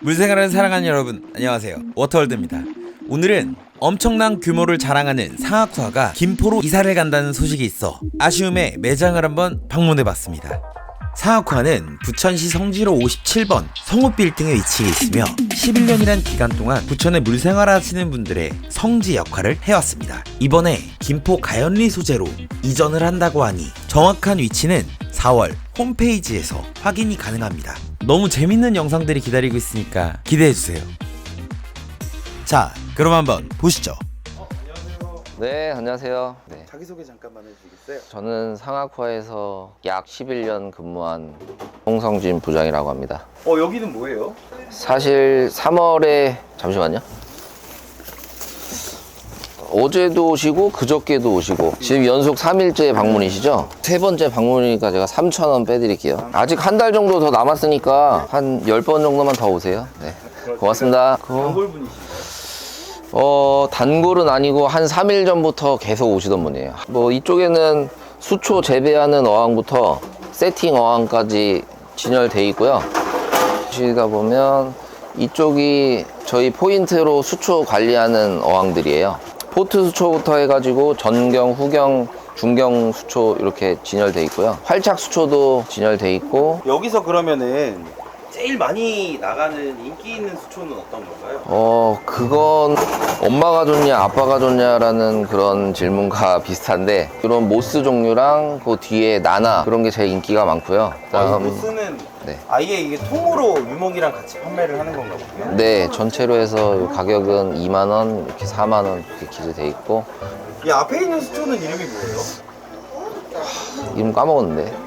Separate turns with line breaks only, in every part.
물생활을 사랑하는 여러분, 안녕하세요. 워터월드입니다. 오늘은 엄청난 규모를 자랑하는 상하쿠아가 김포로 이사를 간다는 소식이 있어 아쉬움에 매장을 한번 방문해봤습니다. 상하쿠아는 부천시 성지로 57번 성읍빌딩에 위치해 있으며 11년이란 기간 동안 부천에 물생활하시는 분들의 성지 역할을 해왔습니다. 이번에 김포 가연리 소재로 이전을 한다고 하니 정확한 위치는 4월 홈페이지에서 확인이 가능합니다. 너무 재밌는 영상들이 기다리고 있으니까 기대해주세요. 자, 그럼 한번 보시죠.
안녕하세요.
네, 안녕하세요. 네.
자기소개 잠깐만 해주시겠어요?
저는 상하쿠아에서 약 11년 근무한 홍성진 부장이라고 합니다.
여기는 뭐예요?
사실 3월에 잠시만요. 어제도 오시고 그저께도 오시고 지금 연속 3일째 방문이시죠? 세 번째 방문이니까 제가 3,000원 빼드릴게요. 아직 한 달 정도 더 남았으니까 한 10번 정도만 더 오세요. 네, 고맙습니다.
단골분이시죠?
단골은 아니고 한 3일 전부터 계속 오시던 분이에요. 뭐 이쪽에는 수초 재배하는 어항부터 세팅 어항까지 진열돼 있고요. 보시다 보면 이쪽이 저희 포인트로 수초 관리하는 어항들이에요. 포트 수초부터 해가지고 전경, 후경, 중경 수초 이렇게 진열돼 있고요. 활착 수초도 진열돼 있고.
여기서 그러면은 제일 많이 나가는 인기 있는 수초는 어떤 건가요?
그건 엄마가 좋냐 아빠가 좋냐라는 그런 질문과 비슷한데, 그런 모스 종류랑 그 뒤에 나나 그런 게 제일 인기가 많고요.
이 모스는
네.
아예 이게 통으로 유목이랑 같이 판매를 하는 건가 보네요.
네, 전체로 해서 가격은 2만원, 이렇게 4만원 이렇게 기재돼 있고.
이 앞에 있는 수초는 이름이 뭐예요?
이름 까먹었는데.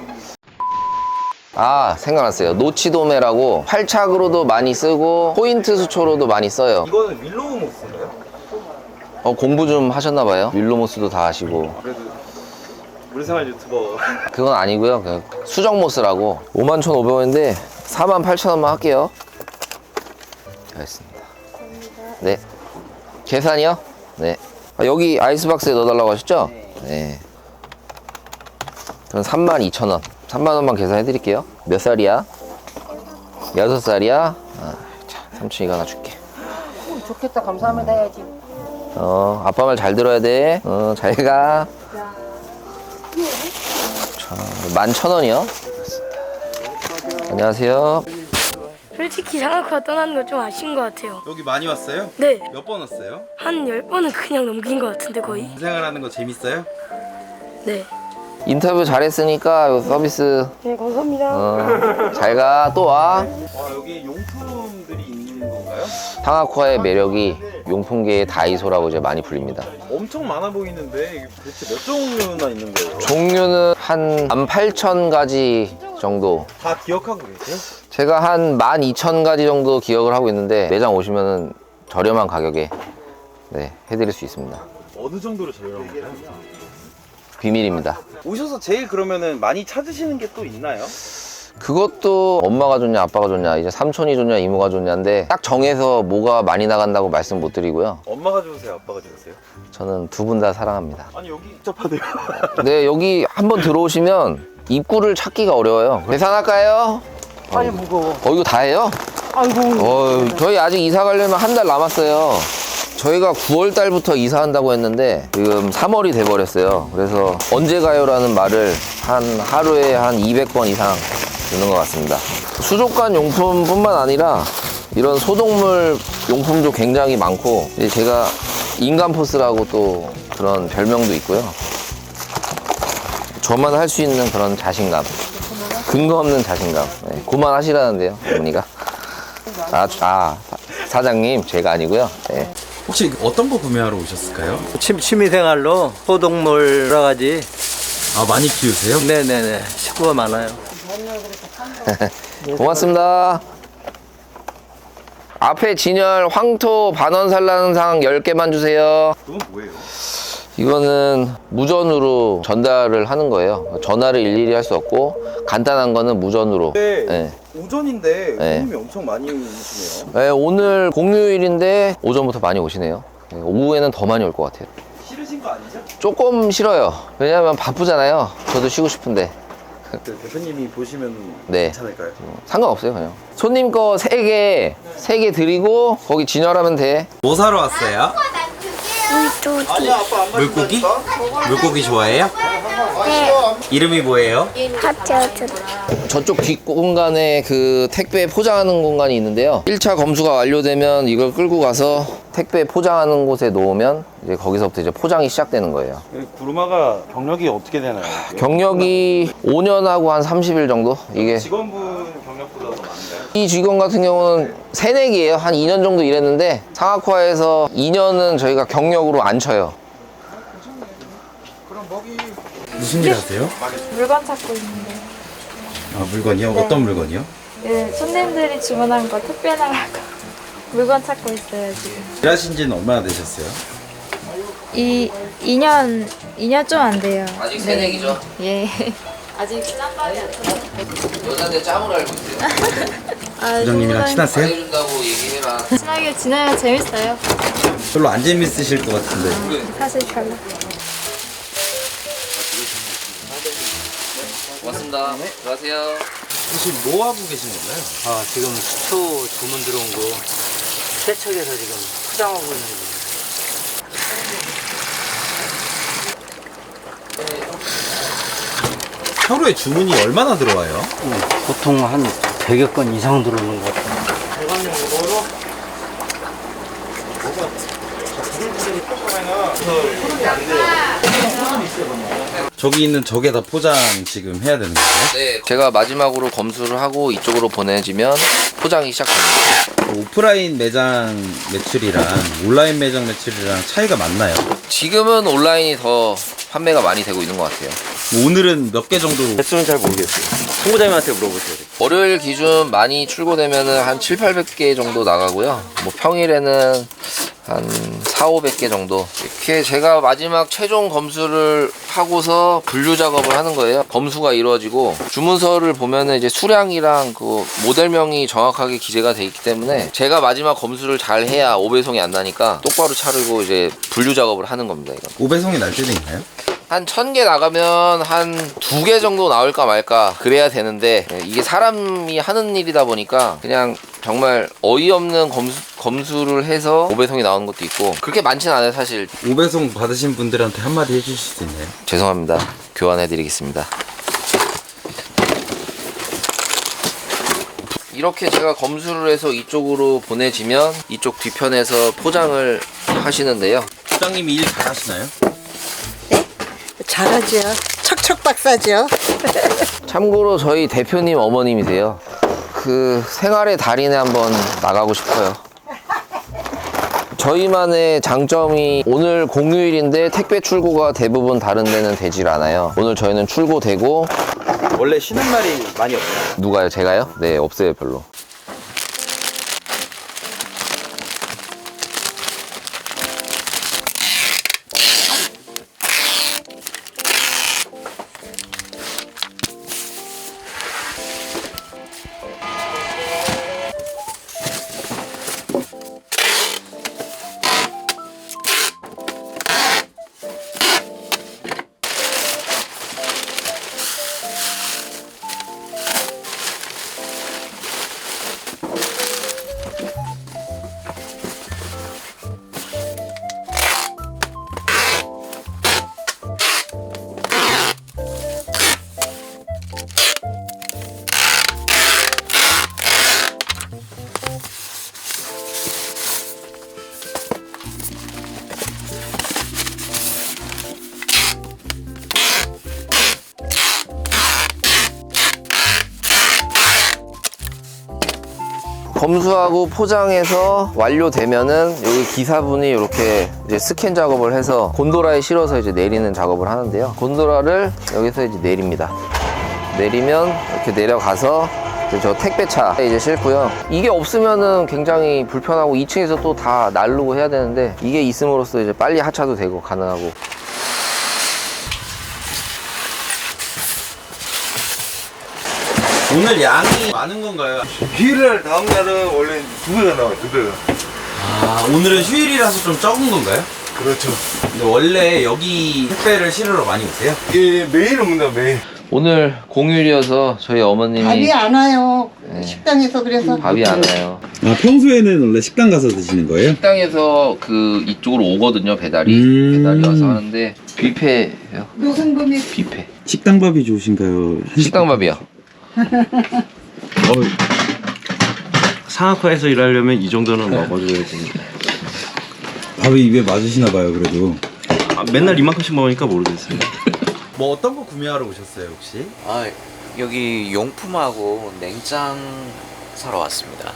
아, 생각났어요. 노치도메라고 활착으로도 많이 쓰고 포인트 수초로도 많이 써요.
이거는 윌로우 모스인가요?
공부 좀 하셨나봐요. 윌로모스도 다 하시고.
그래도 물생활 유튜버.
그건 아니고요. 그 수정모스라고 51,500원인데 48,000원만 할게요. 알겠습니다. 네. 계산이요? 네. 여기 아이스박스에 넣어달라고 하셨죠? 네. 그럼 32,000원. 3만원만 계산해 드릴게요. 몇 살이야? 6살이야? 자, 삼촌 이거 하나 줄게.
좋겠다. 감사합니다 해야지.
아빠 말 잘 들어야 돼. 잘 가. 11,000원이요. 안녕하세요.
솔직히 상하쿠아 떠나는 거 좀 아쉬운 것 같아요.
여기 많이 왔어요?
네,
몇 번 왔어요?
한 10번은 그냥 넘긴 것 같은데 거의.
물생활하는 거 재밌어요?
네.
인터뷰 잘했으니까 요 서비스
네, 감사합니다.
잘 가. 또 와.
여기 용품들이 있는 건가요?
상하쿠아의 매력이 용품계의 다이소라고 이제 많이 불립니다.
엄청 많아 보이는데 이게 도대체 몇 종류나 있는 거예요?
종류는 한 18,000가지 정도.
다 기억하고 계세요?
제가 한 12,000가지 정도 기억을 하고 있는데 매장 오시면은 저렴한 가격에 네, 해드릴 수 있습니다.
어느 정도로 저렴한가요?
비밀입니다.
오셔서 제일 그러면은 많이 찾으시는 게 또 있나요?
그것도 엄마가 좋냐 아빠가 좋냐 이제 삼촌이 좋냐 이모가 좋냐인데 딱 정해서 뭐가 많이 나간다고 말씀 못 드리고요.
엄마가 좋으세요? 아빠가 좋으세요?
저는 두 분 다 사랑합니다.
아니 여기 복잡하네요.
네, 여기 한번 들어오시면 입구를 찾기가 어려워요. 계산할까요?
아니 무거워.
이거 다 해요?
아이고.
저희 아직 이사 가려면 한 달 남았어요. 저희가 9월 달부터 이사한다고 했는데 지금 3월이 돼버렸어요. 그래서 언제 가요라는 말을 하루에 한 200번 이상 듣는 것 같습니다. 수족관 용품뿐만 아니라 이런 소독물 용품도 굉장히 많고, 이제 제가 인간포스라고 또 그런 별명도 있고요. 저만 할 수 있는 그런 자신감, 근거 없는 자신감. 네, 그만하시라는데요, 어머니가. 사장님, 제가 아니고요. 네.
혹시 어떤 거 구매하러 오셨을까요?
취미생활로 소독물 여러 가지.
많이 키우세요?
네네네. 식구가 많아요.
고맙습니다. 앞에 진열 황토 반원산란상 10개만 주세요.
그건 뭐예요?
이거는 무전으로 전달을 하는 거예요. 전화를 일일이 할 수 없고 간단한 거는 무전으로. 네.
오전인데
네.
손님이 엄청 많이 오시네요.
네, 오늘 공휴일인데 오전부터 많이 오시네요. 네, 오후에는 더 많이 올 것 같아요.
싫으신 거 아니죠?
조금 싫어요. 왜냐면 바쁘잖아요. 저도 쉬고 싶은데.
대표님이 보시면
네.
괜찮을까요?
상관없어요, 그냥. 손님 거 3개 드리고 거기 진열하면 돼.
뭐 사러 왔어요? 물고기? 물고기 좋아해요?
네.
이름이 뭐예요?
하트.
저쪽 뒷공간에 그 택배 포장하는 공간이 있는데요. 1차 검수가 완료되면 이걸 끌고 가서 택배 포장하는 곳에 놓으면 이제 거기서부터 이제 포장이 시작되는 거예요.
구루마가 경력이 어떻게 되나요?
경력이 5년하고 한 30일 정도? 이게
직원분 경력보다 더 많은가요?
이 직원 같은 경우는 새내기예요. 한 2년 정도 일했는데 상하쿠아에서 2년은 저희가 경력으로 안 쳐요.
무슨 일 하세요?
물건 찾고 있는데
아, 물건이요? 어떤 물건이요?
네, 손님들이 주문한 거 택배 나가고 물건 찾고 있어요 지금.
일하신 지는 얼마나 되셨어요?
2년 좀 안 돼요.
아직 새내기죠?
예. 아직 짬밥이 안 들어.
여자한테 짬을 알고 있어요.
부장님이랑 친하세요?
해준다고 얘기해라.
친하게 지내면 재밌어요.
별로 안 재밌으실 것 같은데.
사실 별로.
고맙습니다. 들어가세요.
혹시 뭐 하고 계신 건가요?
아, 지금 수초 주문 들어온 거 세척해서 지금 포장하고 있는 거예요.
하루에 주문이 얼마나 들어와요?
보통 한 100여 건 이상 들어오는 것 같아요.
저기 있는 저게다 포장 지금 해야 되는 거예요?
네, 제가 마지막으로 검수를 하고 이쪽으로 보내지면 포장이 시작됩니다.
오프라인 매장 매출이랑 온라인 매장 매출이랑 차이가 많나요?
지금은 온라인이 더 판매가 많이 되고 있는 것 같아요.
오늘은 몇 개 정도?
횟수는 잘 모르겠어요. 총무장님한테 물어보세요.
월요일 기준 많이 출고되면은 한 7, 800개 정도 나가고요. 뭐 평일에는 한 4, 500개 정도. 이렇게 제가 마지막 최종 검수를 하고서 분류 작업을 하는 거예요. 검수가 이루어지고 주문서를 보면은 이제 수량이랑 그 모델명이 정확하게 기재가 돼 있기 때문에 제가 마지막 검수를 잘 해야 오배송이 안 나니까 똑바로 차리고 이제 분류 작업을 하는 겁니다. 이건.
오배송이 날 때도 있나요?
한 1000개 나가면 한 2개 정도 나올까 말까 그래야 되는데 이게 사람이 하는 일이다 보니까 그냥 정말 어이없는 검수를 해서 오배송이 나오는 것도 있고 그렇게 많진 않아요 사실.
오배송 받으신 분들한테 한마디 해주실 수 있나요?
죄송합니다. 교환해 드리겠습니다. 이렇게 제가 검수를 해서 이쪽으로 보내지면 이쪽 뒤편에서 포장을 하시는데요.
부장님이 일 잘하시나요?
잘하죠. 척척 박사죠.
참고로 저희 대표님 어머님이세요. 그 생활의 달인에 한번 나가고 싶어요. 저희만의 장점이 오늘 공휴일인데 택배 출고가 대부분 다른 데는 되질 않아요. 오늘 저희는 출고되고.
원래 쉬는 날이 많이 없나요?
누가요? 제가요? 네, 없어요 별로. 검수하고 포장해서 완료되면은 여기 기사분이 이렇게 이제 스캔 작업을 해서 곤도라에 실어서 이제 내리는 작업을 하는데요. 곤도라를 여기서 이제 내립니다. 내리면 이렇게 내려가서 이제 저 택배차에 이제 싣고요. 이게 없으면은 굉장히 불편하고 2층에서 또 다 나르고 해야 되는데 이게 있음으로써 이제 빨리 하차도 되고 가능하고.
오늘 양이 많은 건가요?
휴일날 다음 날은 원래 2배가 나와요, 2배가.
아, 오늘은 휴일이라서 좀 적은 건가요?
그렇죠.
근데 원래 여기 택배를 실으러 많이 오세요?
예, 매일 옵니다, 매일.
오늘 공휴일이어서 저희 어머님이
밥이 안 와요.
네.
식당에서 그래서.
밥이 안 와요.
아, 평소에는 원래 식당 가서 드시는 거예요?
식당에서 그 이쪽으로 오거든요. 배달이 와서 하는데 뷔페예요.
노상범이
뷔페.
식당밥이 좋으신가요?
식당밥이요.
상하과에서 일하려면 이 정도는 먹어줘야 됩니다.
밥이 입에 맞으시나 봐요, 그래도.
맨날 이만큼씩 먹으니까 모르겠어요.
뭐 어떤 거 구매하러 오셨어요, 혹시?
아, 여기 용품하고 냉장 사러 왔습니다.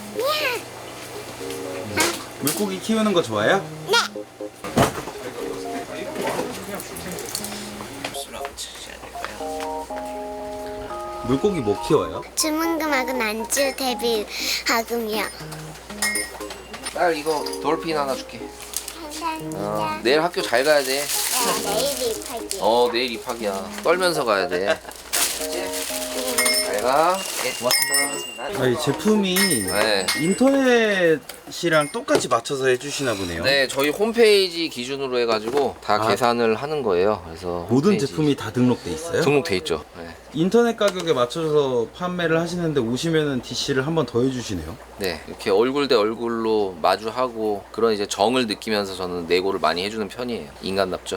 물고기 키우는 거 좋아요? 물고기 뭐 키워요?
주문금하고 안주 대비 하금이요.
딸 이거 돌핀 하나 줄게.
감사합니다.
내일 학교 잘 가야 돼.
내일 입학이요.
내일 입학이야. 떨면서 가야 돼. 잘 가. 고맙습니다.
아니, 제품이
네.
인터넷이랑 똑같이 맞춰서 해주시나 보네요.
네, 저희 홈페이지 기준으로 해가지고 다
아.
계산을 하는 거예요. 그래서
모든
홈페이지
제품이 다 등록돼 있어요?
등록돼 있죠. 네.
인터넷 가격에 맞춰서 판매를 하시는데 오시면은 DC를 한 번 더 해주시네요.
네, 이렇게 얼굴 대 얼굴로 마주하고 그런 이제 정을 느끼면서 저는 내고를 많이 해주는 편이에요. 인간답죠.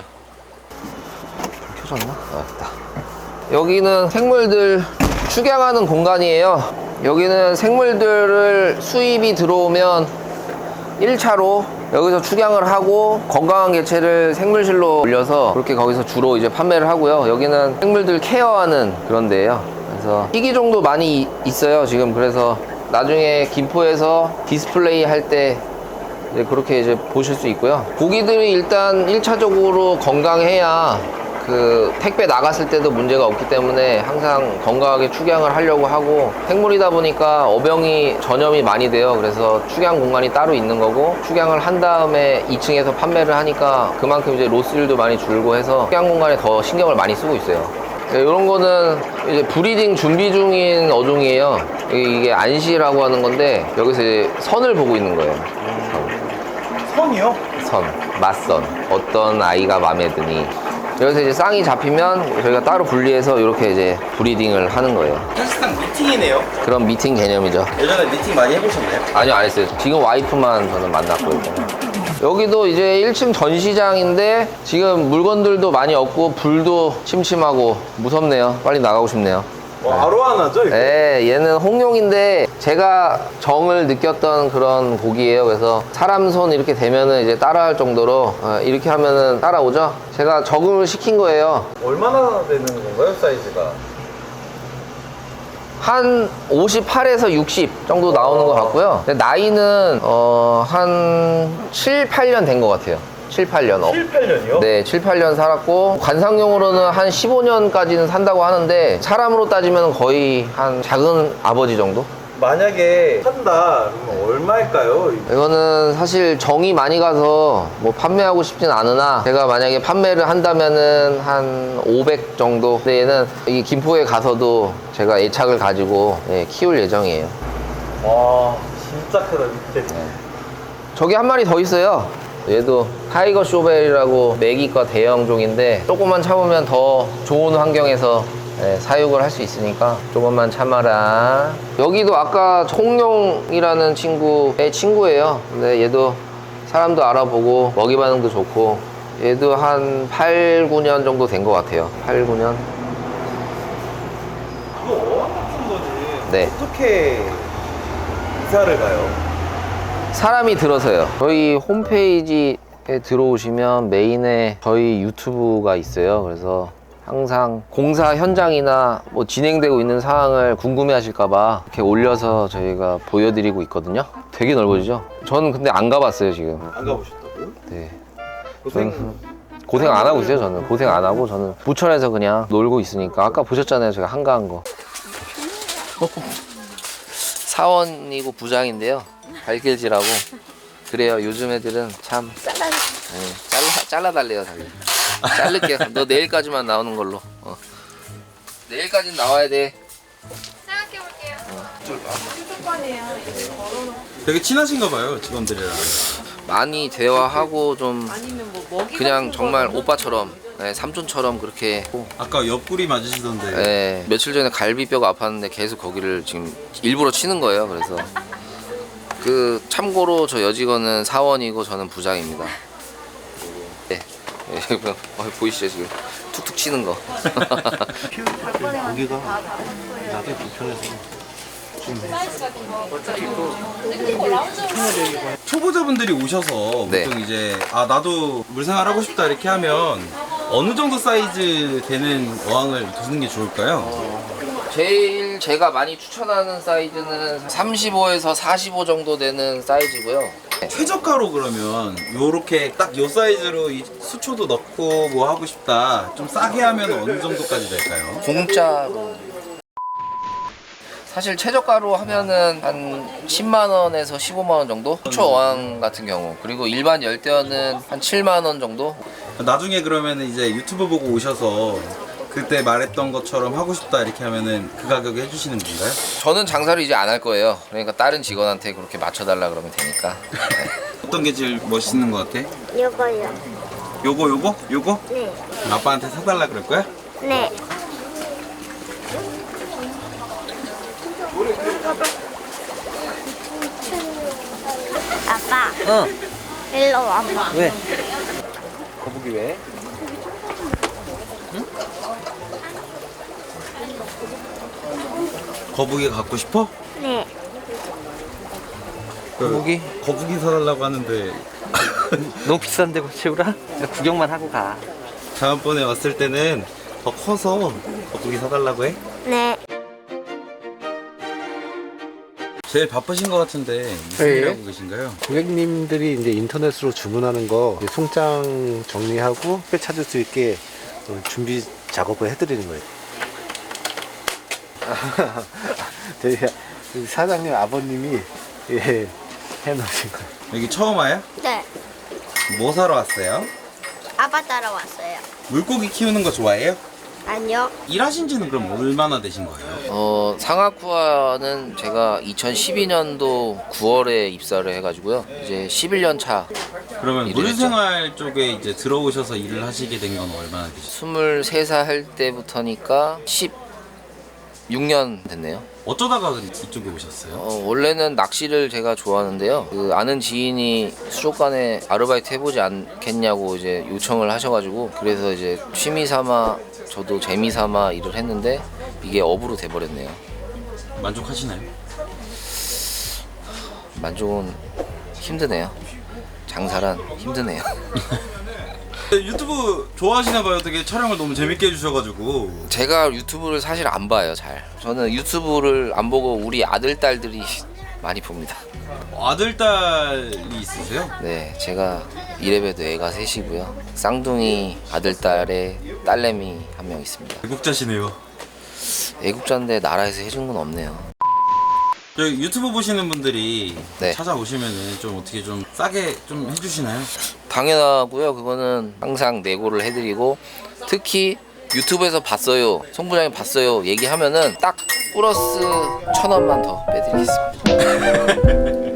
켜졌나? 맞다. 여기는 생물들 축양하는 공간이에요. 여기는 생물들을 수입이 들어오면 1차로 여기서 축양을 하고 건강한 개체를 생물실로 올려서 그렇게 거기서 주로 이제 판매를 하고요. 여기는 생물들 케어하는 그런 데예요. 그래서 희귀종도 많이 있어요 지금. 그래서 나중에 김포에서 디스플레이 할 때 그렇게 이제 보실 수 있고요. 고기들이 일단 1차적으로 건강해야 그 택배 나갔을 때도 문제가 없기 때문에 항상 건강하게 축양을 하려고 하고, 생물이다 보니까 어병이 전염이 많이 돼요. 그래서 축양 공간이 따로 있는 거고, 축양을 한 다음에 2층에서 판매를 하니까 그만큼 이제 로스율도 많이 줄고 해서 축양 공간에 더 신경을 많이 쓰고 있어요. 네, 이런 거는 이제 브리딩 준비 중인 어종이에요. 이게 안시라고 하는 건데 여기서 이제 선을 보고 있는 거예요.
선이요?
선, 맞선. 어떤 아이가 마음에 드니. 여기서 이제 쌍이 잡히면 저희가 따로 분리해서 이렇게 이제 브리딩을 하는 거예요.
사실상 미팅이네요.
그런 미팅 개념이죠.
예전에 미팅 많이 해보셨나요?
아니요, 안 했어요. 지금 와이프만 저는 만났고요. 여기도 이제 1층 전시장인데 지금 물건들도 많이 없고 불도 침침하고 무섭네요. 빨리 나가고 싶네요.
아로하나죠?
네, 얘는 홍룡인데 제가 정을 느꼈던 그런 고기예요. 그래서 사람 손 이렇게 대면은 이제 따라할 정도로 이렇게 하면은 따라오죠. 제가 적응을 시킨 거예요.
얼마나 되는 건가요, 사이즈가?
한 58에서 60 정도 나오는 것 같고요. 근데 나이는 한 7, 8년 된 것 같아요. 7, 8년.
7, 8년이요?
네, 7, 8년 살았고, 관상용으로는 한 15년까지는 산다고 하는데, 사람으로 따지면 거의 한 작은 아버지 정도?
만약에 산다 그러면 얼마일까요?
이거는 사실 정이 많이 가서 뭐 판매하고 싶진 않으나, 제가 만약에 판매를 한다면은 한 500 정도. 근데 얘는 이 김포에 가서도 제가 애착을 가지고 키울 예정이에요.
와, 진짜 크다, 밑에.
저기 한 마리 더 있어요. 얘도 타이거 쇼벨이라고 메기과 대형종인데, 조금만 참으면 더 좋은 환경에서 사육을 할 수 있으니까 조금만 참아라. 여기도 아까 홍룡이라는 친구의 친구예요. 근데 얘도 사람도 알아보고 먹이 반응도 좋고, 얘도 한 8, 9년 정도 된 것 같아요. 8, 9년.
이거 어항 같은 거지.
네.
어떻게 이사를 가요?
사람이 들어서요. 저희 홈페이지에 들어오시면 메인에 저희 유튜브가 있어요. 그래서 항상 공사 현장이나 뭐 진행되고 있는 상황을 궁금해 하실까봐 이렇게 올려서 저희가 보여드리고 있거든요. 되게 넓어지죠? 저는 근데 안 가봤어요, 지금.
안 가보셨다고요?
네. 고생 안 하고 있어요, 저는. 고생 안 하고, 저는 부천에서 그냥 놀고 있으니까. 아까 보셨잖아요, 제가 한가한 거. 사원이고 부장인데요. 발길질하고. 그래요, 요즘 애들은 참. 잘라달래요, 자기. 자를게요. 너 내일까지만 나오는 걸로. 내일까지는 나와야 돼.
생각해볼게요. 수도권이에요.
되게 친하신가 봐요, 직원들이랑.
많이 대화하고 좀 그냥 정말 오빠처럼, 네, 삼촌처럼 그렇게.
아까 옆구리 맞으시던데.
네, 며칠 전에 갈비뼈가 아팠는데 계속 거기를 지금 일부러 치는 거예요. 그래서 그 참고로 저 여직원은 사원이고 저는 부장입니다. 네, 보이시죠 지금 툭툭 치는 거.
고기가 나게 불편해서.
초보자분들이 오셔서
네.
보통 이제 아 나도 물생활 하고 싶다 이렇게 하면 어느 정도 사이즈 되는 어항을 두는 게 좋을까요?
제일 제가 많이 추천하는 사이즈는 35에서 45 정도 되는 사이즈고요.
최저가로 그러면 요렇게 딱 요 사이즈로 이 수초도 넣고 뭐 하고 싶다 좀 싸게 하면 어느 정도까지 될까요?
공짜로. 사실 최저가로 하면은 한 10만 원에서 15만 원 정도? 수초 어항 같은 경우. 그리고 일반 열대어는 한 7만 원 정도?
나중에 그러면 이제 유튜브 보고 오셔서 그때 말했던 것처럼 하고 싶다 이렇게 하면은 그 가격에 해주시는 건가요?
저는 장사를 이제 안 할 거예요. 그러니까 다른 직원한테 그렇게 맞춰달라 그러면 되니까.
어떤 게 제일 멋있는 것 같아?
이거요.
요거?
네.
아빠한테 사달라 그럴 거야?
네. 아빠. 일로 와봐.
왜? 거북이 왜?
거북이 갖고 싶어?
네.
거북이?
거북이 사달라고 하는데
너무 비싼데 채우라? 구경만 하고 가.
다음번에 왔을 때는 더 커서 거북이 사달라고 해?
네.
제일 바쁘신 것 같은데 무슨 일 하고 계신가요?
고객님들이 이제 인터넷으로 주문하는 거 이제 송장 정리하고 회 찾을 수 있게 준비 작업을 해드리는 거예요. 저희 사장님 아버님이 해놓으신 거예요.
여기 처음 와요?
네.
뭐 사러 왔어요?
아빠 따라왔어요.
물고기 키우는 거 좋아해요?
아니요.
일하신 지는 그럼 얼마나 되신 거예요?
상하쿠아는 제가 2012년도 9월에 입사를 해가지고요. 이제 11년 차.
그러면
일을
물생활 쪽에 이제 들어오셔서 일을 하시게 된 건 얼마나 되셨어요?
23살 할 때부터니까 16년 됐네요.
어쩌다가 이쪽에 오셨어요?
원래는 낚시를 제가 좋아하는데요. 그 아는 지인이 수족관에 아르바이트 해보지 않겠냐고 이제 요청을 하셔가지고 그래서 이제 취미 삼아 저도 재미 삼아 일을 했는데 이게 업으로 돼버렸네요.
만족하시나요?
만족은 힘드네요. 장사란 힘드네요.
유튜브 좋아하시나 봐요. 되게 촬영을 너무 재밌게 해주셔가지고.
제가 유튜브를 사실 안 봐요, 잘. 저는 유튜브를 안 보고 우리 아들, 딸들이 많이 봅니다.
아들, 딸이 있으세요?
네, 제가 이래봬도 애가 셋이고요. 쌍둥이 아들, 딸에 딸내미 한 명 있습니다.
애국자시네요.
애국자인데 나라에서 해준 건 없네요.
저희 유튜브 보시는 분들이
네.
찾아오시면은 좀 어떻게 좀 싸게 좀 해주시나요?
당연하고요. 그거는 항상 내고를 해드리고 특히 유튜브에서 봤어요, 송 부장님 봤어요 얘기하면은 딱 플러스 1,000원만 더 빼드리겠습니다.